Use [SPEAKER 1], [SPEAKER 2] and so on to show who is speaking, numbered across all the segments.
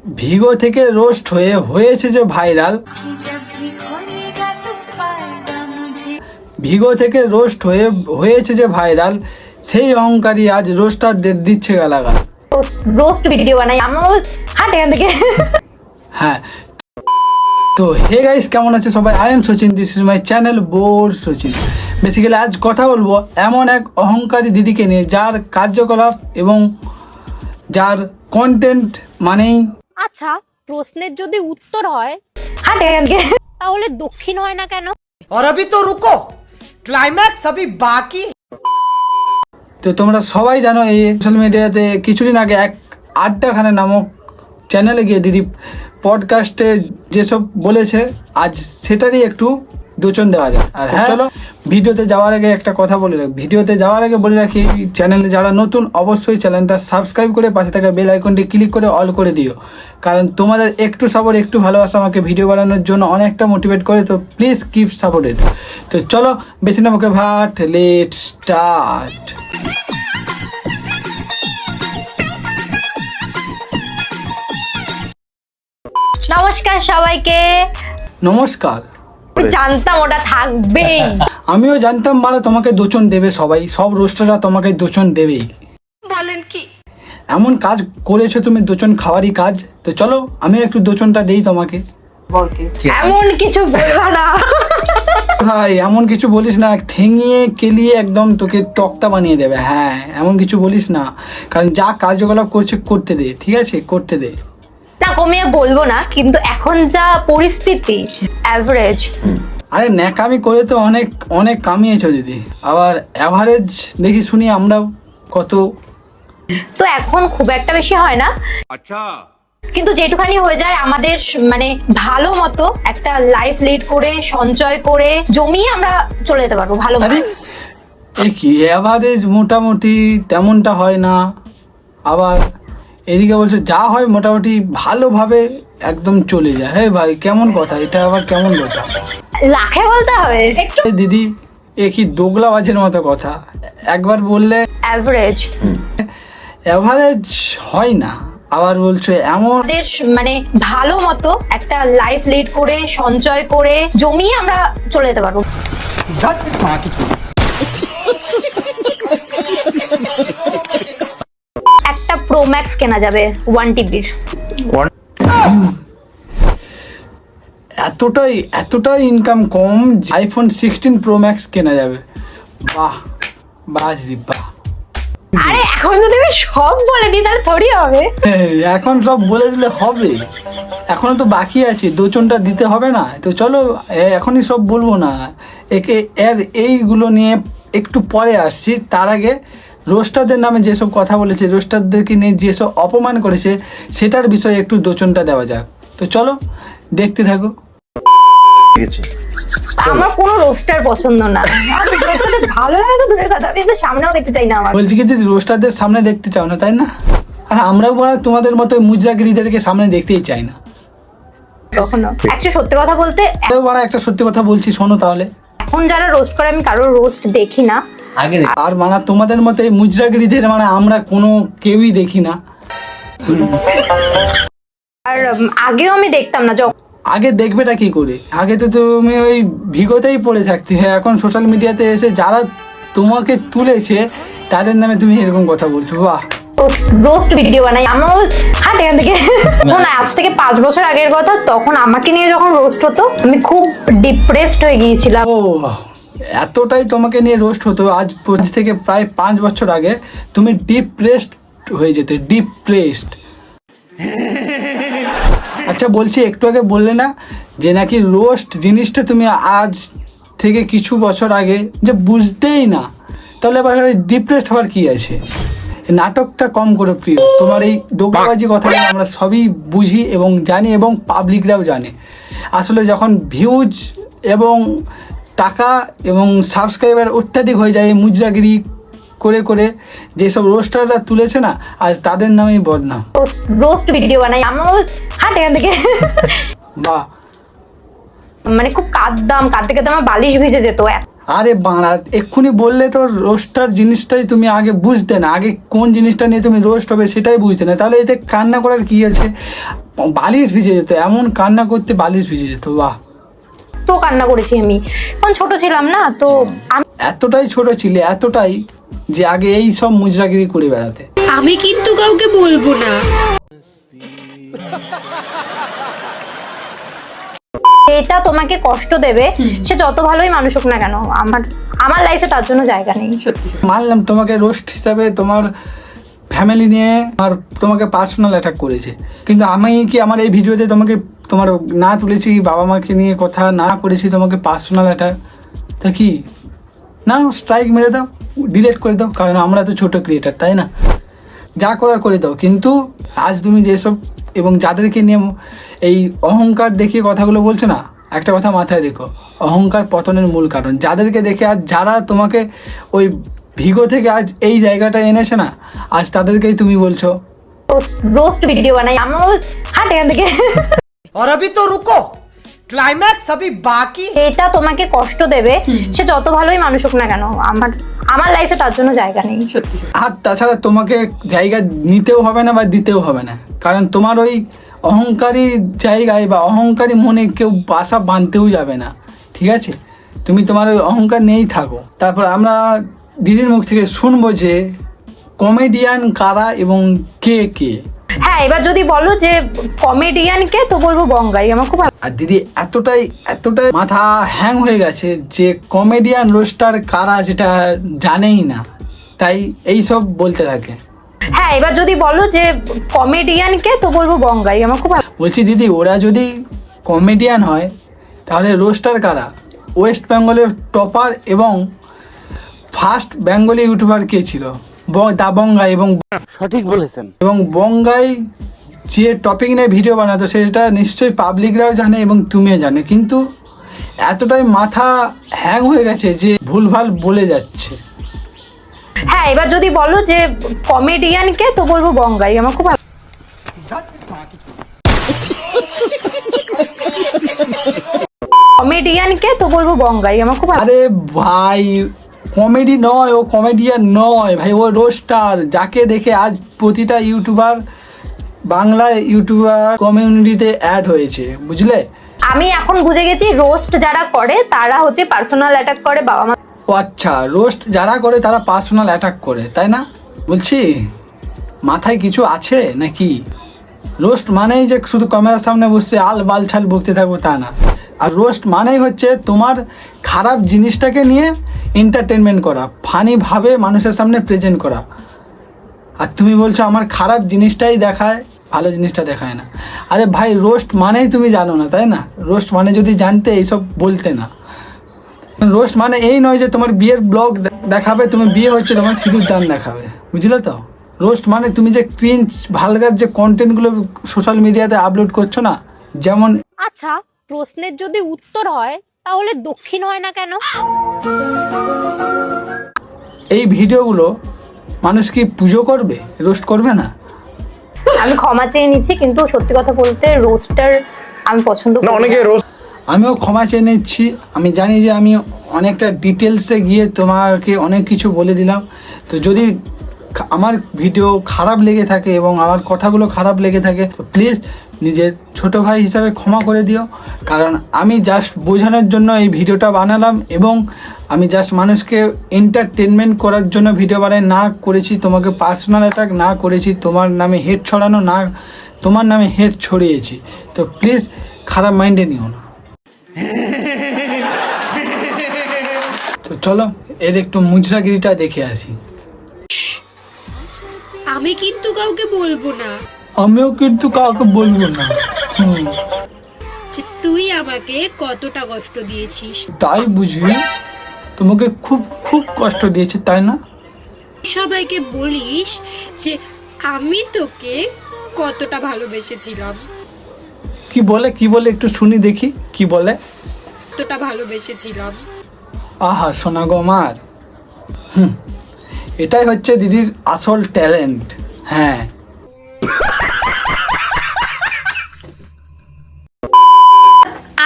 [SPEAKER 1] ভিগো থেকে রোস্ট হয়েছে যে ভাইরাল, ভিগো থেকে রোস্ট হয়েছে যে ভাইরাল, সেই অহংকারী আজ রোস্টারদের দিচ্ছে গালাগাল।
[SPEAKER 2] রোস্ট ভিডিও বানাই আমরা, হাট এখান থেকে।
[SPEAKER 1] হ্যাঁ, তো হে গাইস, কেমন আছে সবাই? I am Sachin, this is my channel বোর সচিন। বেসিক্যালি আজ কথা বলবো এমন এক অহংকারী দিদিকে নিয়ে, যার কার্যকলাপ এবং যার কন্টেন্ট মানেই।
[SPEAKER 3] আচ্ছা, প্রশ্নের যদি উত্তর হয়
[SPEAKER 2] হাট এখান থেকে,
[SPEAKER 3] তাহলে দক্ষিণ হয় না কেন?
[SPEAKER 4] और अभी तो रुको, क्लाइमैक्स अभी बाकी।
[SPEAKER 1] তো তোমরা সবাই জানো, এই সোশ্যাল মিডিয়াতে কিছুদিন আগে এক আড্ডাখানা নামক চ্যানেলে গিয়ে দিদি পডকাস্টে যেসব বলেছে, আজ সেটারই একটু দোচন দেওয়া যায়। আর হ্যাঁ, চলো ভিডিওতে যাওয়ার আগে একটা কথা বলে রাখি, চ্যানেলে যারা নতুন অবশ্যই চ্যানেলটা সাবস্ক্রাইব করে পাশে থাকা বেল আইকনটি ক্লিক করে অল করে দিও, কারণ তোমাদের একটু সাপোর্ট, একটু ভালোবাসা আমাকে ভিডিও বানানোর জন্য অনেকটা মোটিভেট করে। তো প্লিজ কিপ সাপোর্টেড। তো চলো বেশি না মুখে ভাট, লেট স্টার্ট।
[SPEAKER 2] নমস্কার সবাইকে।
[SPEAKER 1] নমস্কার।
[SPEAKER 2] আমি জানতাম ওটা থাকবেই।
[SPEAKER 1] আমিও জানতাম মারা তোমাকে দোচন দেবে, সবাই, সব রোস্টাররা তোমাকে দোচন দেবেই।
[SPEAKER 2] বলেন কি?
[SPEAKER 1] এমন কাজ করেছো তুমি, দোচন খাওয়ারই কাজ। তো চলো আমি একটু দোচনটা দেই তোমাকে।
[SPEAKER 2] এমন কিছু বলবা না
[SPEAKER 1] ভাই, এমন কিছু বলিস না, ঠেঙিয়ে কেলিয়ে একদম তোকে তক্তা বানিয়ে দেবে। হ্যাঁ, এমন কিছু বলিস না, কারণ যা কার্যকলাপ করছে করতে দে, ঠিক আছে? করতে দে।
[SPEAKER 2] না, কমিয়ে বলবো না, কিন্তু এখন যা পরিস্থিতি অ্যাভারেজ।
[SPEAKER 1] আরে ন্যাকামি করে তো অনেক অনেক কামিয়েছো দিদি, আবার অ্যাভারেজ দেখি শুনি আমরাও কত।
[SPEAKER 2] তো এখন খুব একটা বেশি হয় না,
[SPEAKER 5] আচ্ছা,
[SPEAKER 2] কিন্তু যেটুখানি হয়ে যায় আমাদের মানে ভালো মতো একটা লাইফ লিড করে সঞ্চয় করে জমিয়ে আমরা চলে যেতে পারবো ভালো মতো।
[SPEAKER 1] এ কি অ্যাভারেজ? মোটামুটি তেমনটা হয় না, আবার এদিকে বলছে যা হয় মোটামুটি ভালোভাবে একদম চলে যায়। হ্যাঁ ভাই, কেমন কথা এটা? আবার কেমন কথা?
[SPEAKER 2] লাখে বলতে হবে একটু।
[SPEAKER 1] এ দিদি, এ কি দোগলাবাজের মতো কথা? একবার বললে
[SPEAKER 2] অ্যাভারেজ,
[SPEAKER 1] অ্যাভারেজ হয় না, আবার বলছো এমন।
[SPEAKER 2] আমাদের মানে ভালো মতো একটা লাইফ লিড করে সঞ্চয় করে জমিয়ে আমরা চলে যেতে পারবো। একটা প্রো ম্যাক্স কেনা যাবে 1 টিবির।
[SPEAKER 1] এতটাই ইনকাম কম, আইফোন 16 প্রো ম্যাক্স কেনা যাবে। বাহ বাহ দিদি, বাহ।
[SPEAKER 2] আরে এখন যদি আমি সব বলে দিই তাহলে থোড়ি হবে।
[SPEAKER 1] এখন সব বলে দিলে হবে? এখনো তো বাকি আছে, দোচনটা দিতে হবে না? তো চলো এখনই সব বলবো না, এইগুলো নিয়ে একটু পরে আসছি। তার আগে রোস্টারদের নামে যেসব কথা বলেছে, রোস্টারদেরকে নিয়ে যেসব অপমান করেছে, সেটার বিষয়ে একটু দোচনটা দেওয়া যাক। তো চলো দেখতে থাকো।
[SPEAKER 2] আমার কোনো রোস্টার পছন্দ না, ভালো লাগে তো দূরের কথা, আমি তো সামনেও দেখতে চাই না। আমার
[SPEAKER 1] বলছি কি দিদি, রোস্টারদের সামনে দেখতে চাও না, তাই না? আর আমরাও তোমাদের মতো মুজরাগিরিদেরকে সামনে দেখতেই চাই না
[SPEAKER 2] কখনো। একটা সত্যি কথা বলতে,
[SPEAKER 1] একটা সত্যি কথা বলছি, শোনো তাহলে।
[SPEAKER 2] এখন যারা রোস্ট করে আমি কারোর রোস্ট দেখি না।
[SPEAKER 1] আর মানে তোমাদের মতো এই মুজরাগিরিদের মানে আমরা কোনো কেউই দেখি না।
[SPEAKER 2] আর আগেও আমি দেখতাম না।
[SPEAKER 1] আগে দেখবেটা কি করে? আগে তো তুমি ওই ভিগোতেই পড়ে থাকতে। হ্যাঁ, এখন সোশ্যাল মিডিয়াতে এসে যারা তোমাকে তুলেছে তাদের নামে তুমি এরকম কথা বলছো। বাহ,
[SPEAKER 2] রোস্ট ভিডিও বানাই আমরা, হাট এখান থেকে। না, আজ থেকে 5 বছর আগের কথা, তখন আমাকে নিয়ে যখন রোস্ট হতো আমি খুব ডিপ্রেসড হয়ে গিয়েছিলাম।
[SPEAKER 1] ও এতটাই তোমাকে নিয়ে রোস্ট হতো, আজ থেকে প্রায় 5 বছর আগে তুমি ডিপ্রেসড হয়ে যেতে, ডিপ্রেসড। আচ্ছা বলছি, একটু আগে বললে না যে নাকি রোস্ট জিনিসটা তুমি আজ থেকে কিছু বছর আগে যে বুঝতেই না, তাহলে আবার ডিপ্রেসড হওয়ার কি আছে? নাটকটা কম করে প্রিয়, তোমার এই দোগলাবাজি কথাটা আমরা সবই বুঝি এবং জানি, এবং পাবলিকরাও জানে। আসলে যখন ভিউজ এবং টাকা এবং সাবস্ক্রাইবার অত্যাধিক হয়ে যায়, মুজরাগিরি করে করে যেসব রোস্টাররা তুলেছে না, আজ তাদের নামেই বদনাম।
[SPEAKER 2] রোস্ট ভিডিও বানাই আমরা, হাট এখান থেকে।
[SPEAKER 1] বাহ,
[SPEAKER 2] মানে খুব কাঁদতে কাঁদতে আমার বালিশ ভিজে যেত।
[SPEAKER 1] আরে বাংলা এক্ষুনি বললে তো রোস্টার জিনিসটাই তুমি আগে বুঝতে না, আগে কোন জিনিসটা নিয়ে তুমি রোস্ট হবে সেটাই বুঝতে না, তাহলে এতে কান্না করার কি আছে? বালিশ ভিজে যেত, এমন কান্না করতে বালিশ ভিজে যেত। বাহ,
[SPEAKER 2] তো কান্না করেছি আমি, তখন ছোট ছিলাম না তো।
[SPEAKER 1] এতটাই ছোট ছিলে, এতটাই যে আগে এই সব মুজরাগিরি করে বেড়াতে।
[SPEAKER 3] আমি কিন্তু কাউকে বলবো না।
[SPEAKER 2] এটা তোমাকে কষ্ট দেবে, সে যত ভালোই মানুষ হোক না কেন, আমার লাইফে তার জন্য জায়গা নেই।
[SPEAKER 1] মানলাম তোমাকে রোস্ট হিসাবে তোমার ফ্যামিলি নিয়ে আর তোমাকে পার্সোনাল অ্যাটাক করেছে, কিন্তু আমি কি আমার এই ভিডিওতে তোমাকে তোমার না তুলেছি বাবা মাকে নিয়ে কথা, না করেছি তোমাকে পার্সোনাল অ্যাটাক, তা কি না স্ট্রাইক মেরে দাও, ডিলিট করে দাও, কারণ আমরা তো ছোট ক্রিয়েটার, তাই না? যা করার করে দাও। কিন্তু আজ তুমি যেসব এবং যাদেরকে নিয়ে এই অহংকার দেখিয়ে কথাগুলো বলছো না, একটা কথা মাথায় রেখো, অহংকার পতনের মূল কারণ। যাদেরকে দেখে আজ যারা তোমাকে ওই ভিগো থেকে আজ এই জায়গাটা এনেছে না, আজ তাদেরকেই তুমি বলছো
[SPEAKER 2] রোস্ট ভিডিও বানাই, আমার হাট এখান থেকে।
[SPEAKER 4] और अभी तो रुको, क्लाइमैक्स अभी बाकी।
[SPEAKER 2] এটা তোমাকে কষ্ট দেবে, সে যত ভালোই মানুষ হোক না কেন, আমার লাইফে তার জন্য জায়গা নেই।
[SPEAKER 1] আর তাছাড়া তোমাকে জায়গা নিতেও হবে না বা দিতেও হবে না, কারণ তোমার ওই অহংকারী জায়গায় বা অহংকারী মনে কেউ বাসা বাঁধতেও যাবে না, ঠিক আছে? তুমি তোমার ওই অহংকার নিয়েই থাকো। তারপর আমরা দিদির মুখ থেকে শুনবো যে কমেডিয়ান কারা এবং কে কে।
[SPEAKER 2] হ্যাঁ, এবার যদি বলো যে কমেডিয়ানকে, তো বলবো বঙ্গাই, আমার খুব
[SPEAKER 1] আর দিদি এতটাই মাথা হ্যাং হয়ে গেছে যে কমেডিয়ান রোস্টার কারা সেটা জানেই না, তাই এই সব বলতে থাকে।
[SPEAKER 2] হ্যাঁ, এবার যদি বলো যে কমেডিয়ানকে, তো বলবো বঙ্গাই, আমার খুব
[SPEAKER 1] বলছি দিদি, ওরা যদি কমেডিয়ান হয় তাহলে রোস্টার কারা? ওয়েস্ট বেঙ্গলের টপার এবং ফার্স্ট বেঙ্গলি ইউটিউবার কে ছিল? দা বঙ্গাই। এবং
[SPEAKER 5] সঠিক বলেছেন।
[SPEAKER 1] এবং বঙ্গাই যে টপিক নিয়ে ভিডিও বানাতো সেটা নিশ্চয়ই পাবলিকরাও জানে এবং তুমিও জানে, কিন্তু এতটাই মাথা হ্যাং হয়ে গেছে যে ভুলভাল বলে যাচ্ছে।
[SPEAKER 2] হ্যাঁ, এবার যদি বলো যে কমেডিয়ানকে, তো বলবো বঙ্গাই, আমার খুব কমেডিয়ানকে, তো বলবো বঙ্গাই, আমার খুব
[SPEAKER 1] আরে ভাই, কমেডি নয়, ও কমেডিয়ান নয় ভাই, ও রোস্টার। যাকে দেখে আজ প্রতিটা ইউটিউবার, বাংলা ইউটিউবার কমিউনিটিতে অ্যাড হয়েছে, বুঝলে?
[SPEAKER 2] আমি এখন বুঝে গেছি, রোস্ট যারা করে তারা হচ্ছে পার্সোনাল অ্যাটাক করে বাবা মা।
[SPEAKER 1] ও আচ্ছা, রোস্ট যারা করে তারা পার্সোনাল অ্যাটাক করে, তাই না? বলছি মাথায় কিছু আছে নাকি? রোস্ট মানেই যে শুধু ক্যামেরার সামনে বসে আল বাল ছাল বকতে থাকবো তা না। আর রোস্ট মানেই হচ্ছে তোমার খারাপ জিনিসটাকে নিয়ে এন্টারটেনমেন্ট করা, ফানিভাবে মানুষের সামনে প্রেজেন্ট করা। আর তুমি বলছো আমার খারাপ জিনিসটাই দেখায়, ভালো জিনিসটা দেখায় না। আরে ভাই, রোস্ট মানেই তুমি জানো না, তাই না? রোস্ট মানে যদি জানতে এইসব বলতে না। রোস্ট মানে এই নয় যে তোমার বিয়ের ব্লগ দেখাবে, তুমি বিয়ে হচ্ছে তোমার সিঁদুর দান দেখাবে, বুঝলে তো? রোস্ট মানে তুমি যে ক্রিঞ্জ ভালগার যে কন্টেন্টগুলো সোশ্যাল মিডিয়াতে আপলোড করছো না, যেমন
[SPEAKER 3] আচ্ছা, প্রশ্নের যদি উত্তর হয় তাহলে দক্ষিণ হয় না কেন?
[SPEAKER 1] এই ভিডিওগুলো মানুষ কি পুজো করবে, রোস্ট করবে না?
[SPEAKER 2] আমি ক্ষমা চেয়ে নিচ্ছি, কিন্তু সত্যি কথা বলতে রোস্টার আমি পছন্দ করি না।
[SPEAKER 5] অনেকে
[SPEAKER 1] আমিও ক্ষমা চেয়ে নিচ্ছি। আমি জানি যে আমি অনেকটা ডিটেলসে গিয়ে তোমাকে অনেক কিছু বলে দিলাম, তো যদি আমার ভিডিও খারাপ লেগে থাকে এবং আমার কথাগুলো খারাপ লেগে থাকে তো প্লিজ নিজের ছোট ভাই হিসাবে ক্ষমা করে দিও, কারণ আমি জাস্ট বোঝানোর জন্য এই ভিডিওটা বানালাম এবং আমি জাস্ট মানুষকে এন্টারটেনমেন্ট করার জন্য ভিডিও বানাই, না করেছি তোমাকে পার্সোনাল অ্যাটাক, না করেছি তোমার নামে হেট ছড়ানো, না তোমার নামে হেট ছড়িয়েছি। তো প্লিজ খারাপ মাইন্ডে নিও না। তো চলো এর একটু মুজরাগিরিটা দেখে আসি।
[SPEAKER 3] আমি কিন্তু কাউকে বলবো না
[SPEAKER 1] আমিও কিন্তু কাউকে বলবো না।
[SPEAKER 3] যে তুই আমাকে কতটা কষ্ট দিয়েছিস।
[SPEAKER 1] তাই বুঝি? তোমাকে খুব খুব কষ্ট দিয়েছে, তাই না?
[SPEAKER 3] সবাইকে বলিস যে আমি তোকে কতটা ভালোবেসেছিলাম,
[SPEAKER 1] কি বলে একটু শুনি দেখি, কি বলে?
[SPEAKER 3] কতটা ভালোবেসেছিলাম।
[SPEAKER 1] আহা সোনা গো আমার, এটাই হচ্ছে দিদির আসল ট্যালেন্ট। হ্যাঁ,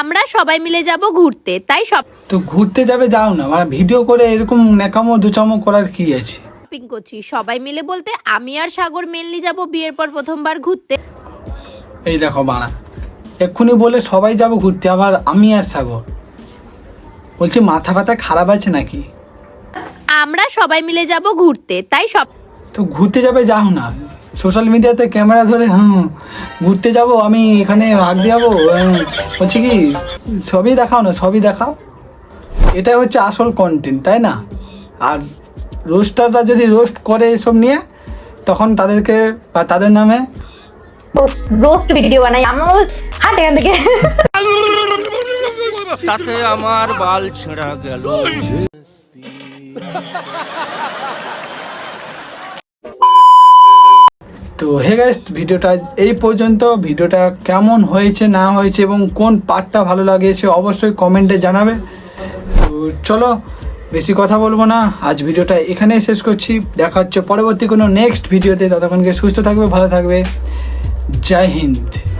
[SPEAKER 3] আমরা সবাই মিলে যাব ঘুরতে, তাই
[SPEAKER 1] তো ঘুরতে যাবে যাও না, মানে ভিডিও করে এরকম ন্যাকামো দুচামো করার কি আছে?
[SPEAKER 3] শপিং করছি। সবাই মিলে বলতে আমি আর সাগর মেনলি যাব বিয়ের পর প্রথমবার ঘুরতে।
[SPEAKER 1] এই দেখো বাড়া, এক্ষুনি বলে সবাই যাব ঘুরতে, আবার আমি আর সাগর বলছি, মাথা ব্যথা খারাপ আছে নাকি?
[SPEAKER 3] আমরা সবাই মিলে যাব ঘুরতে, তাই
[SPEAKER 1] তো ঘুরতে যাবে যাও না, সোশ্যাল মিডিয়াতে ক্যামেরা ধরে ঘুরতে যাব আমি এখানে হাঁক যাবো, বলছি কি সবই দেখাও না, সবই দেখাও, এটাই হচ্ছে আসল কন্টেন্ট, তাই না? আর রোস্টাররা যদি রোস্ট করে এসব নিয়ে, তখন তাদেরকে বা তাদের নামে
[SPEAKER 2] রোস্ট ভিডিও বানাই, আমারও হাট এখান থেকে।
[SPEAKER 5] তাতে আমার বাল ছেঁড়া গেল।
[SPEAKER 1] তো হে গাইস, ভিডিওটা এই পর্যন্ত। ভিডিওটা কেমন হয়েছে না হয়েছে এবং কোন পার্টটা ভালো লাগিয়েছে অবশ্যই কমেন্টে জানাবে। তো চলো বেশি কথা বলবো না, আজ ভিডিওটা এখানেই শেষ করছি। দেখা হচ্ছে পরবর্তী কোনো নেক্সট ভিডিওতে, ততক্ষণকে সুস্থ থাকবে, ভালো থাকবে। জয় হিন্দ।